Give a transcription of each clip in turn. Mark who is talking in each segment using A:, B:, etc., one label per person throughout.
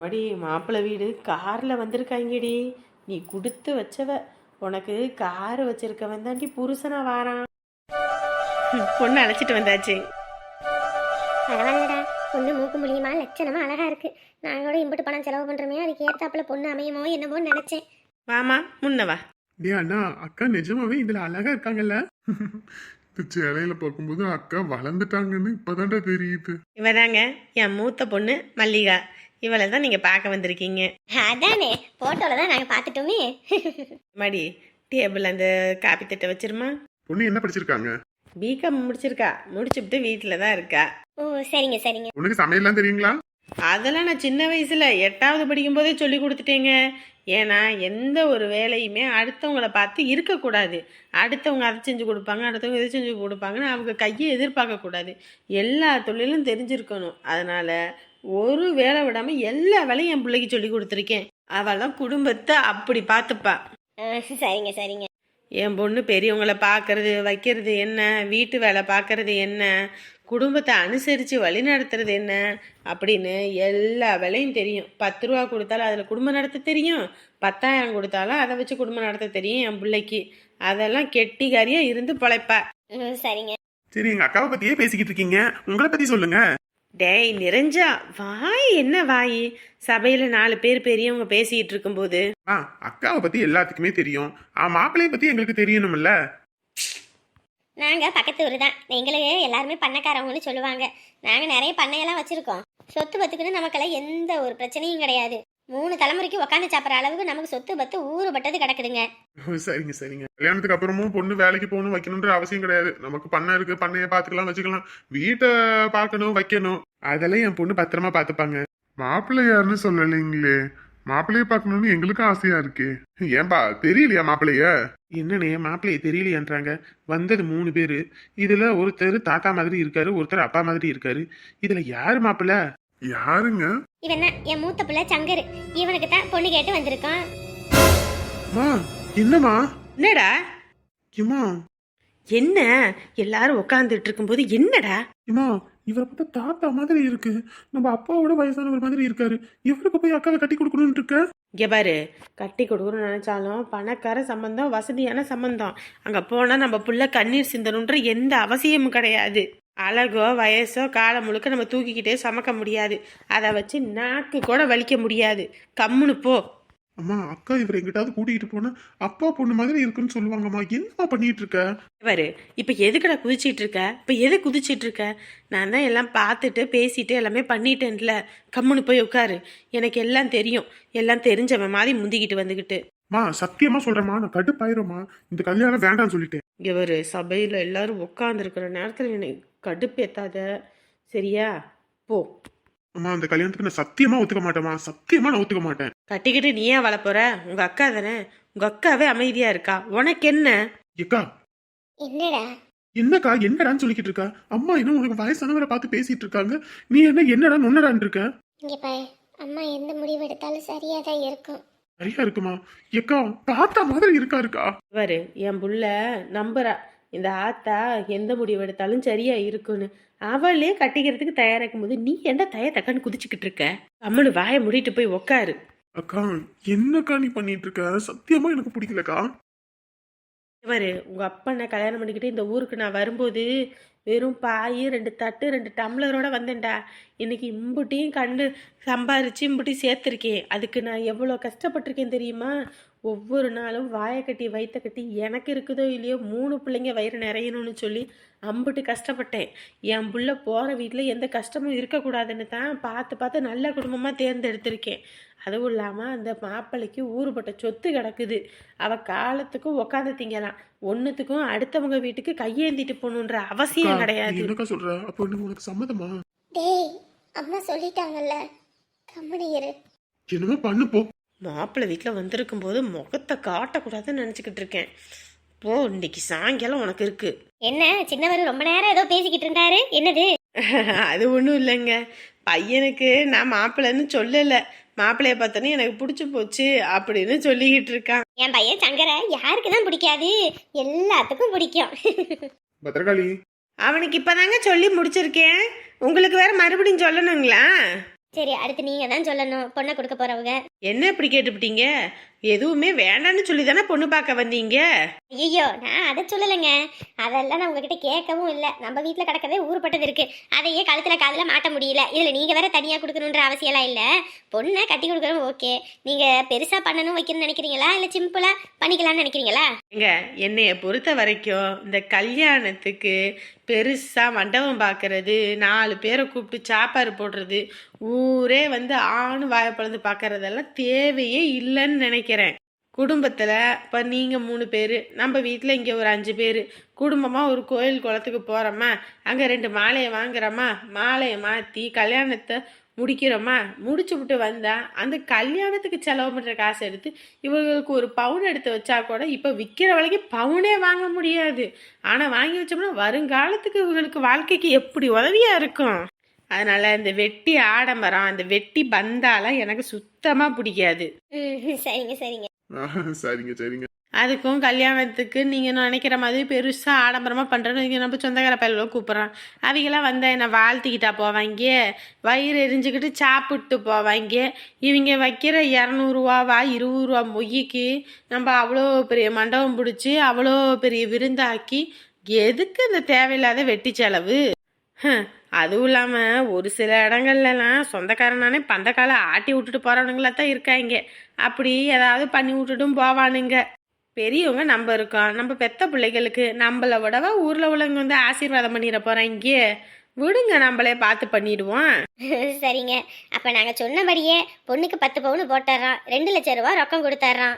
A: அடி மாப்பிள்ளை வீடு காரில் வந்திருக்காங்கடி. நீ கொடுத்து வச்சவ. உனக்கு கார் வச்சிருக்கவன் தாண்டி புருஷனா வாரான். பொண்ணு அழைச்சிட்டு வந்தாச்சு.
B: பரவாயில்லடா, பொண்ணு மூக்கு முடியுமா லட்சணமா அழகா இருக்கு. நான் கூட இம்புட்டு பணம் செலவு பண்றோமே, அதுக்கு ஏத்தாப்புல பொண்ணு அமையுமோ என்னமோ நினைச்சேன்.
A: வாமா முன்னவா.
C: டே அண்ணா, அக்கா நிஜமாவே இதுல அழகா இருக்காங்கல்ல. இந்த சேலையில பார்க்கும்போது அக்கா வளர்ந்துட்டாங்கன்னு இப்பதான்டா தெரியுது.
A: இவதாங்க என் மூத்த பொண்ணு மல்லிகா. இவளை தான் நீங்க பார்க்க வந்திருக்கீங்க.
B: அதானே, போட்டோல தான் நாங்க பாத்துட்டோமே.
A: மடி டேபிள் அந்த காப்பி தட்டை வச்சிருமா.
C: பொண்ணு என்ன படிச்சிருக்காங்க?
A: பிகாம் முடிச்சிருக்கா. முடிச்சுட்டு வீட்டில் தான் இருக்கா.
B: ஓ சரிங்க சரிங்க.
C: உனக்கு சமையல்லாம் தெரியுங்களா?
A: அதெல்லாம் நான் சின்ன வயசுல 8வது படிக்கும் போதே சொல்லி கொடுத்துட்டேங்க. ஏன்னா எந்த ஒரு வேலையுமே அடுத்தவங்கள பார்த்து இருக்கக்கூடாது. அடுத்தவங்க அதை செஞ்சு கொடுப்பாங்க, அடுத்தவங்க இதை செஞ்சு கொடுப்பாங்கன்னு அவங்க கையை எதிர்பார்க்கக்கூடாது. எல்லா தொழிலும் தெரிஞ்சிருக்கணும். அதனால ஒரு வேலை விடாம எல்லா வேலையும் என் பிள்ளைக்கு சொல்லி கொடுத்துருக்கேன். அவெல்லாம் குடும்பத்தை அப்படி பார்த்துப்பா.
B: சரிங்க சரிங்க.
A: என் பொண்ணு பெரியவங்களை பார்க்கறது வைக்கிறது என்ன, வீட்டு வேலை பார்க்கறது என்ன, குடும்பத்தை அனுசரித்து வழி நடத்துறது என்ன அப்படின்னு எல்லா வேலையும் தெரியும். 10 ரூபா கொடுத்தாலும் அதில் குடும்பம் நடத்த தெரியும், 10,000 கொடுத்தாலும் அதை வச்சு குடும்பம் நடத்த தெரியும் என் பிள்ளைக்கு. அதெல்லாம் கெட்டிக்காரியாக இருந்து பொழைப்பா.
B: சரிங்க.
C: சரி, எங்க அக்காவை பத்தியே பேசிக்கிட்டு இருக்கீங்க, உங்களை பத்தி சொல்லுங்க.
A: டேய் நிறைஞ்சா வாய் என்ன வாய். சபையில் 4 பேர் பெரியவங்க பேசிக்கிட்டு இருக்கும்போது
C: அக்காவை பத்தி எல்லாத்துக்குமே தெரியும். மாப்பிள்ளைய பத்தி எங்களுக்கு தெரியணும்ல.
B: நாங்க பக்கத்து ஊர் தான். எங்களுக்கு எல்லாருமே பண்ணக்காரவங்கன்னு சொல்லுவாங்க. நாங்க நிறைய பண்ணையெல்லாம் வச்சிருக்கோம். சொத்து பத்துக்குன்னு நமக்கெல்லாம் எந்த ஒரு பிரச்சனையும் கிடையாது. 3 தலைமுறைக்கு உக்காந்து சாப்பிட்ற அளவுக்கு நமக்கு சொத்து பத்து ஊறுபட்டது கிடக்குதுங்க.
C: சரிங்க சரிங்க. கல்யாணத்துக்கு அப்புறமும் பொண்ணு வேலைக்கு போகணும் வைக்கணும்ன்ற அவசியம் கிடையாது. நமக்கு பண்ணை இருக்கு, பண்ணைய பாத்துக்கலாம் வச்சுக்கலாம். வீட்டை பார்க்கணும் வைக்கணும், அதெல்லாம் என் பொண்ணு பத்திரமா பாத்துப்பாங்க. மாப்பிள்ளை யாருன்னு சொல்லலைங்களே. மாப்பிள்ளைய பார்க்கணும்னு எங்களுக்கும் ஆசையா இருக்கு. ஏன்பா தெரியலையா மாப்பிள்ளைய? என்னன்னே மாப்பிள்ளைய தெரியலையான்றாங்க. வந்தது 3 பேரு. இதுல ஒருத்தர் தாத்தா மாதிரி இருக்காரு, ஒருத்தர் அப்பா மாதிரி இருக்காரு. இதுல யாரு மாப்பிள்ளை? யாருங்க?
B: இவன் தான் என் மூத்த பிள்ளை சங்கரு. இவனுக்கு தான் பொண்ணு கேட்டு வந்திருக்கான்.
C: என்னம்மா?
A: என்னடா
C: இம்மா
A: என்ன எல்லாரும் உட்காந்துட்டு இருக்கும்போது என்னடா?
C: இம்மா, இவரை பார்த்தா தாத்தா மாதிரி இருக்கு. நம்ம அப்பாவோட வயசானவர் மாதிரி இருக்காரு. இவருக்கு போய் அக்காவை கட்டி கொடுக்கணும்னு இருக்க.
A: இங்கே பாரு, கட்டி கொடுக்கணும்னு நினச்சாலும் பணக்கார சம்பந்தம், வசதியான சம்பந்தம். அங்கே போனால் நம்ம புள்ள கண்ணீர் சிந்தணுன்ற எந்த அவசியமும் கிடையாது. அழகோ வயசோ காலம் முழுக்க நம்ம தூக்கிக்கிட்டே சமைக்க முடியாது. அதை வச்சு நாக்கு கூட வலிக்க முடியாது. கம்முன்னு போ.
C: அம்மா, அக்கா இவரை எங்கிட்டாவது கூட்டிகிட்டு போனா அப்பா பொண்ணு மாதிரி இருக்குன்னு சொல்லுவாங்கம்மா. என்னம்மா பண்ணிட்டு இருக்க?
A: பாரு, இப்போ எதுக்கடா குதிச்சிட்டு இருக்க? இப்போ எது குதிச்சிட்டு இருக்க? நான் தான் எல்லாம் பார்த்துட்டு பேசிட்டு எல்லாமே பண்ணிட்டேன்ல. கம்முன்னு போய் உட்காரு. எனக்கு எல்லாம் தெரியும். எல்லாம் தெரிஞ்சவன் மாதிரி முந்திக்கிட்டு வந்துக்கிட்டு.
C: மா சத்தியமா சொல்றேம்மா, நான் கடுப்பாயிரும்மா. இந்த கல்யாணம் வேண்டாம்னு சொல்லிட்டேன்.
A: இவர் சபையில் எல்லாரும் உட்காந்துருக்கிற நேரத்தில் என்னை கடுப்பேத்தாத, சரியா? போ.
C: அம்மா, அந்த கல்யாணத்துக்கு நான் சத்தியமா ஒத்துக்க மாட்டேம்மா. சத்தியமா நான் ஒத்துக்க மாட்டேன்.
A: கட்டிக்கிட்டு நீ ஏன் வளப்போற? உங்க அக்கா தானே. உங்க அக்காவே அமைதியா இருக்கா, உனக்கு என்ன?
C: ஏக்கா,
B: என்னடா
C: என்னக்கா என்னடான்னு சொல்லிக்கிட்டு இருக்கா? அம்மா என்ன உனக்கு வயசானவரை பார்த்து பேசிட்டு இருக்காங்க, நீ என்ன என்னடா நொன்னடான்னு இருக்க?
B: இங்க பாரு, அம்மா எந்த முடிவு எடுத்தாலும் சரியா தான் இருக்கும்.
C: சரியா இருக்குமா? ஏக்கா, தாத்தா மாதிரி இருக்காருக்கா.
A: இவரு என் புள்ள நம்புறா இந்த ஆத்தா எந்த முடிவு எடுத்தாலும் சரியா இருக்குன்னு. அவளே கட்டிக்கிறதுக்கு தயாராக்கும் போது நீ என்ன தக்கன்னு குதிச்சுக்கிட்டு இருக்க? அம்மனு வாயை மூடிட்டு போய் உக்காரு.
C: அக்கா, என்னக்கா நீ பண்ணிட்டு இருக்க? சத்தியமா எனக்கு பிடிக்கலக்கா.
A: இவரு உங்க அப்பனை கல்யாணம் பண்ணிக்கிட்டு இந்த ஊருக்கு நான் வரும்போது வெறும் பாய் 2 தட்டு 2 டம்ளரோட வந்தேன்டா. இன்னைக்கு இம்புட்டியும் கண்டு சம்பாரிச்சு இம்புட்டியும் சேர்த்துருக்கேன். அதுக்கு நான் எவ்வளோ கஷ்டப்பட்டிருக்கேன் தெரியுமா? ஒவ்வொரு நாளும் வாயை கட்டி வயிற்ற கட்டி எனக்கு இருக்குதோ இல்லையோ 3 பிள்ளைங்க வயிறு நிறையணும்னு சொல்லி அம்புட்டு கஷ்டப்பட்டேன். என் புள்ள போகிற வீட்டில் எந்த கஷ்டமும் இருக்கக்கூடாதுன்னு தான் பார்த்து பார்த்து நல்ல குடும்பமாக தேர்ந்தெடுத்திருக்கேன். அதுவும் இல்லாமல் அந்த மாப்பிள்ளைக்கு ஊறுபட்ட சொத்து கிடக்குது. அவள் காலத்துக்கும் உக்காந்து திங்கலாம். ஒன்றுத்துக்கும் அடுத்தவங்க வீட்டுக்கு கையேந்திட்டு போகணுன்ற அவசியம் கிடையாது.
C: என்னக்கா சொல்ற? அப்போ உனக்கு சம்மதமா?
B: டேய், அம்மா சொல்லிட்டாங்கல்ல, கம்மனி இரு.
C: என்னமோ பண்ணு போ.
A: மாப்பிள்ளை வீட்டில் வந்திருக்கும் போது முகத்தை காட்டக்கூடாதுன்னு நினச்சிக்கிட்டு இருக்கேன். போ, இன்னைக்கு சாயங்காலம் உனக்கு இருக்கு.
B: என்ன சின்னவர் ரொம்ப நேரம் ஏதோ பேசிக்கிட்டு இருந்தாரு, என்னது?
A: அது ஒன்றும் இல்லைங்க. பையனுக்கு நான் மாப்பிள்ளைன்னு சொல்லலை, மாப்பிள்ளைய பார்த்தோன்னே எனக்கு பிடிச்சி போச்சு அப்படின்னு சொல்லிக்கிட்டு இருக்கான்.
B: என் பையன் சங்கரை யாருக்கு தான் பிடிக்காது? எல்லாத்துக்கும் பிடிக்கும்.
C: பத்திரகாளி,
A: அவனுக்கு இப்பதாங்க சொல்லி முடிச்சிருக்கேன். உங்களுக்கு வேற மறுபடியும் சொல்லணுங்களா?
B: சரி, அடுத்து நீங்க தான் சொல்லணும் பொண்ணை கொடுக்க போறவங்க.
A: என்ன இப்படி கேட்டுப்பிட்டீங்க? எதுவுமே வேண்டான்னு சொல்லி தானே பொண்ணு பார்க்க வந்தீங்க.
B: ஐயோ, நான் அதை சொல்லலைங்க. அதெல்லாம் நான் உங்ககிட்ட கேட்கவும் இல்லை. நம்ம வீட்டில் கிடக்கவே ஊறுப்பட்டது இருக்கு. அதையே கழுத்துல காதுல மாட்ட முடியல. இதில் நீங்கள் வேற தனியாக கொடுக்கணுன்ற அவசியம்லாம் இல்லை. பொண்ணை கட்டி கொடுக்கணும், ஓகே. நீங்கள் பெருசாக பண்ணணும் வைக்கணும்னு நினைக்கிறீங்களா, இல்லை சிம்பிளாக பண்ணிக்கலாம்னு நினைக்கிறீங்களா?
A: ஏங்க, என்னைய பொறுத்த வரைக்கும் இந்த கல்யாணத்துக்கு பெருசா மண்டபம் பார்க்கறது, 4 பேரை கூப்பிட்டு சாப்பாடு போடுறது, ஊரே வந்து ஆணு வாயப்பழந்து பார்க்கறதெல்லாம் தேவையே இல்லைன்னு நினைக்கிறேன். குடும்பத்தில் இப்போ நீங்கள் 3 பேர், நம்ம வீட்டில் இங்கே ஒரு 5 பேர், குடும்பமாக ஒரு கோயில் குளத்துக்கு போகிறோமா, அங்கே 2 மாலையை வாங்குறோமா, மாலையை மாற்றி கல்யாணத்தை முடிக்கிறோமா, முடிச்சு விட்டு வந்தால் அந்த கல்யாணத்துக்கு செலவு பண்ணுற காசை எடுத்து இவங்களுக்கு ஒரு பவுன் எடுத்து வச்சா கூட இப்போ விற்கிற விலைக்கு பவுனே வாங்க முடியாது. ஆனால் வாங்கி வச்சோம்னா வருங்காலத்துக்கு இவங்களுக்கு வாழ்க்கைக்கு எப்படி உதவியாக இருக்கும். அதனால் இந்த வெட்டி ஆடம்பரம், அந்த வெட்டி பந்தாலாம் எனக்கு சுத்தமாக பிடிக்காது.
B: சரிங்க சரிங்க.
C: சரிங்க சரிங்க.
A: அதுக்கும் கல்யாணத்துக்கு நீங்கள் நினைக்கிற மாதிரி பெருசாக ஆடம்பரமாக பண்ணுறேன்னு நம்ம சொந்தக்கார பயிலோ கூப்பிட்றான். அவங்களாம் வந்தால் என்ன வாழ்த்திக்கிட்டா போவாங்க, வயிறு எரிஞ்சுக்கிட்டு சாப்பிட்டு போவாங்க. இவங்க வைக்கிற 200 ரூபாவா 20 ரூபா மொய்க்கு நம்ம அவ்வளோ பெரிய மண்டபம் பிடிச்சி அவ்வளோ பெரிய விருந்தாக்கி எதுக்கு இந்த தேவையில்லாத வெட்டி செலவு? அதுவும் இல்லாமல் ஒரு சில இடங்கள்லாம் சொந்தக்காரனானே பந்தக்கால ஆட்டி விட்டுட்டு போகிறவனுங்களா தான் இருக்காங்க. அப்படி ஏதாவது பண்ணி விட்டுட்டும் போவானுங்க. பெரியவங்க நம்ம இருக்கோம், நம்ம பெத்த பிள்ளைகளுக்கு நம்மளை விடவா ஊரில் உள்ளவங்க வந்து ஆசீர்வாதம் பண்ணிட போகிறாங்க. விடுங்க, நம்மளே பார்த்து பண்ணிடுவோம்.
B: சரிங்க, அப்போ நாங்கள் சொன்னபடியே பொண்ணுக்கு 10 பவுன் போட்டுறோம், 2 லட்சம் ரூபா ரொக்கம் கொடுத்துட்றோம்.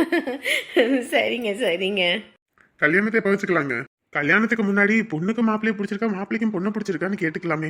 A: சரிங்க சரிங்க.
C: கல்யாணத்தை எப்ப வச்சுக்கலாங்க? கல்யாணத்துக்கு முன்னாடி பொண்ணுக்கு மாப்பிள்ளைய பிடிச்சிருக்கா, மாப்பிள்ளைக்கும் பொண்ணை பிடிச்சிருக்கான்னு கேட்டுக்கலாமே.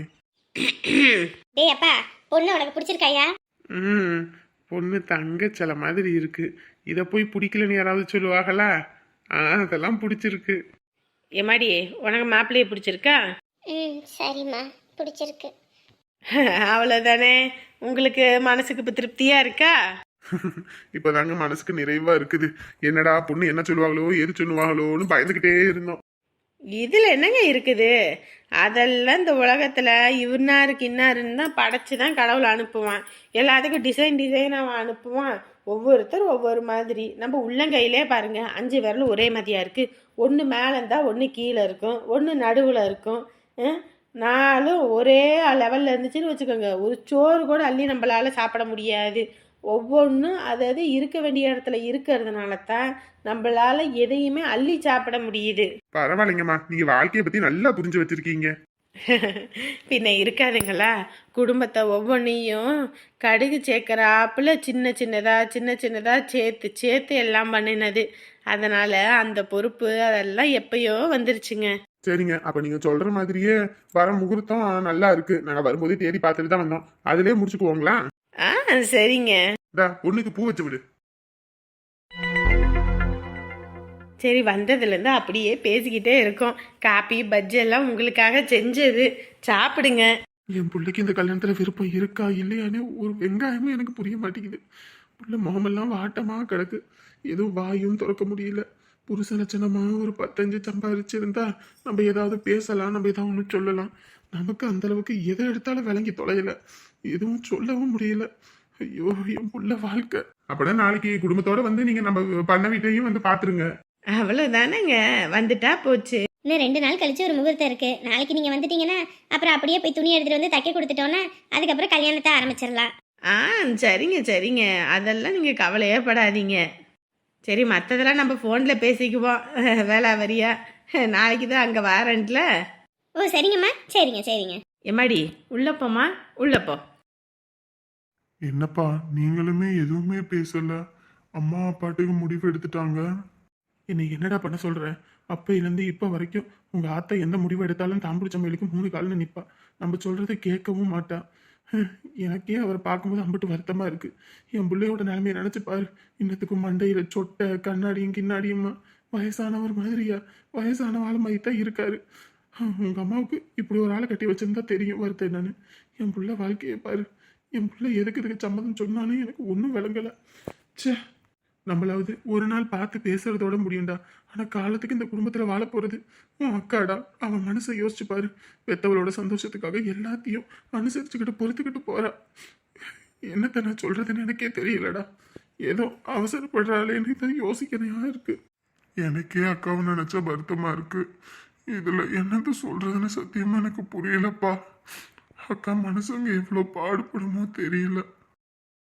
B: டேய் அப்பா, பொண்ணு உனக்கு பிடிச்சிருக்காயா?
C: பொண்ணு தங்க சில மாதிரி இருக்கு. இதை போய் பிடிக்கலன்னு யாராவது சொல்லுவாங்களா? அதெல்லாம் பிடிச்சிருக்கு.
A: எம்மாடி, உனக்கு மாப்பிள்ளையை பிடிச்சிருக்கா?
B: சரிம்மா, பிடிச்சிருக்கு.
A: அவ்வளோதானே, உங்களுக்கு மனசுக்கு இப்போ திருப்தியாக இருக்கா?
C: இப்பதாங்க மனசுக்கு நிறைவா இருக்குது. என்னடா பொண்ணு என்ன சொல்லுவாங்களோ எது சொல்லுவாங்களோன்னு பயந்துகிட்டே இருந்தோம்.
A: இதில் என்னங்க இருக்குது? அதெல்லாம் இந்த உலகத்தில் இவனாருக்கு இன்னாருன்னு தான் படைச்சி தான் கடவுள் அனுப்புவான். எல்லாத்துக்கும் டிசைன் அவன் அனுப்புவான். ஒவ்வொருத்தரும் ஒவ்வொரு மாதிரி. நம்ம உள்ளங்கையிலே பாருங்கள், 5 விரலும் ஒரே மாதிரியாக இருக்குது. ஒன்று மேலே இருந்தால் ஒன்று கீழே இருக்கும், ஒன்று நடுவில் இருக்கும். 4 ஒரே லெவலில் இருந்துச்சுன்னு வச்சுக்கோங்க, ஒரு சோறு கூட அள்ளி நம்மளால் சாப்பிட முடியாது. ஒவ்வொன்றும் அதாவது இருக்க வேண்டிய இடத்துல இருக்கிறதுனால தான் நம்மளால எதையுமே அள்ளி சாப்பிட முடியுது.
C: பரவாயில்லைங்கம்மா, நீங்க வாழ்க்கையை பத்தி நல்லா புரிஞ்சு வச்சிருக்கீங்க.
A: பின்ன இருக்காதுங்களா? குடும்பத்தை ஒவ்வொன்றையும் கடுகு சேர்க்குறாப்புல சின்ன சின்னதாக சேர்த்து எல்லாம் பண்ணினது. அதனால அந்த பொறுப்பு அதெல்லாம் எப்பயோ வந்துருச்சுங்க.
C: சரிங்க, அப்ப நீங்க சொல்ற மாதிரியே வர முகூர்த்தம் நல்லா இருக்கு. நாங்க வரும்போதே தேடி பார்த்துட்டு தான் வந்தோம். அதுலயே முடிச்சுக்குவோங்களா?
A: சரிங்க.
C: பொண்ணுக்கு பூ வச்சு விடு.
A: சரி, வந்ததுலேருந்து அப்படியே பேசிக்கிட்டே இருக்கோம். காப்பி பஜ்ஜி எல்லாம் உங்களுக்காக செஞ்சது, சாப்பிடுங்க.
C: என் பிள்ளைக்கு இந்த கல்யாணத்துல விருப்பம் இருக்கா இல்லையான்னு ஒரு வெங்காயமும் எனக்கு புரிய மாட்டேங்குது. புள்ள முகமெல்லாம் வாட்டமா கிடக்கு, எதுவும் வாயும் திறக்க முடியல. புருஷ லட்சணமா ஒரு 15 சம்பாதிச்சிருந்தா நம்ம ஏதாவது பேசலாம், நம்ம ஏதாவது ஒன்று சொல்லலாம். நமக்கு அந்த அளவுக்கு எதை எடுத்தாலும் விளங்கி தொலையல, எதுவும் சொல்லவும் முடியல. ஐயோ, என் புள்ள வாழ்க்கை. அப்படின்னா நாளைக்கு குடும்பத்தோட வந்து நீங்க நம்ம பண்ண வீட்டையும் வந்து பாத்துருங்க.
A: அவ்வளோதானேங்க, வந்துட்டா போச்சு.
B: இன்னும் 2 நாள் கழிச்சு ஒரு முகூர்த்தம் இருக்கு. நாளைக்கு நீங்க வந்துட்டீங்கன்னா அப்புறம் அப்படியே போய் துணி எடுத்துட்டு வந்து தைக்க கொடுத்துட்டோன்னா அதுக்கப்புறம் கல்யாணத்தை ஆரம்பிச்சிடலாம்.
A: சரிங்க, அதெல்லாம் நீங்கள் கவலையே படாதீங்க. சரி, மற்றதெல்லாம் நம்ம ஃபோனில் பேசிக்குவோம். வேலை வரியா நாளைக்கு தான் அங்கே வாரண்ட்ல.
B: ஓ சரிங்கம்மா, சரிங்க.
A: எம்மாடி, உள்ளப்போம்மா, உள்ளப்போ.
C: என்னப்பா நீங்களுமே எதுவுமே பேசல? அம்மா அப்பாட்டுக்கு முடிவு எடுத்துட்டாங்க. என்னை என்னடா பண்ண சொல்ற? அப்பையிலேருந்து இப்போ வரைக்கும் உங்க ஆத்தா எந்த முடிவு எடுத்தாலும் தாம்பிடிச்சமையிலுக்கு 3 காலில் நிற்பா. நம்ம சொல்றதை கேட்கவும் மாட்டா. எனக்கே அவரை பார்க்கும்போது அம்பிட்டு வருத்தமா இருக்கு. என் பிள்ளையோட நிலைமையை நினைச்சு பாரு. இன்னத்துக்கும் மண்டையில சொட்டை கண்ணாடியும் கிண்ணாடியுமா வயசானவர் மாதிரியா? வயசான ஆள் மாதிரி தான் இருக்காரு. உங்க அம்மாவுக்கு இப்படி ஒரு ஆளை கட்டி வச்சிருந்தா தெரியும் வருத்தம் என்னன்னு. என் பிள்ளை வாழ்க்கையை பாரு. என் பிள்ளை எதுக்கு இதுக்கு சம்மதம் சொன்னாலும் எனக்கு ஒன்றும் விளங்கலை. சே, நம்மளாவது ஒரு நாள் பார்த்து பேசுறதோட முடியும்டா. ஆனால் காலத்துக்கு இந்த குடும்பத்தில் வாழ போகிறது உன் அக்காடா. அவன் மனசை யோசிச்சு பாரு. பெத்தவளோட சந்தோஷத்துக்காக எல்லாத்தையும் அனுசரிச்சுக்கிட்டு பொறுத்துக்கிட்டு போறா. என்னத்த நான் சொல்றதுன்னு எனக்கே தெரியலடா. ஏதோ அவசரப்படுறாளேன்னு தான் யோசிக்கிறதா இருக்கு. எனக்கே அக்காவை நினைச்சா வருத்தமா இருக்கு. இதுல என்னத்த சொல்றதுன்னு சத்தியமா எனக்கு புரியலப்பா. அக்கா மனசுங்க எவ்வளவு பாடுபடுமோ தெரியல.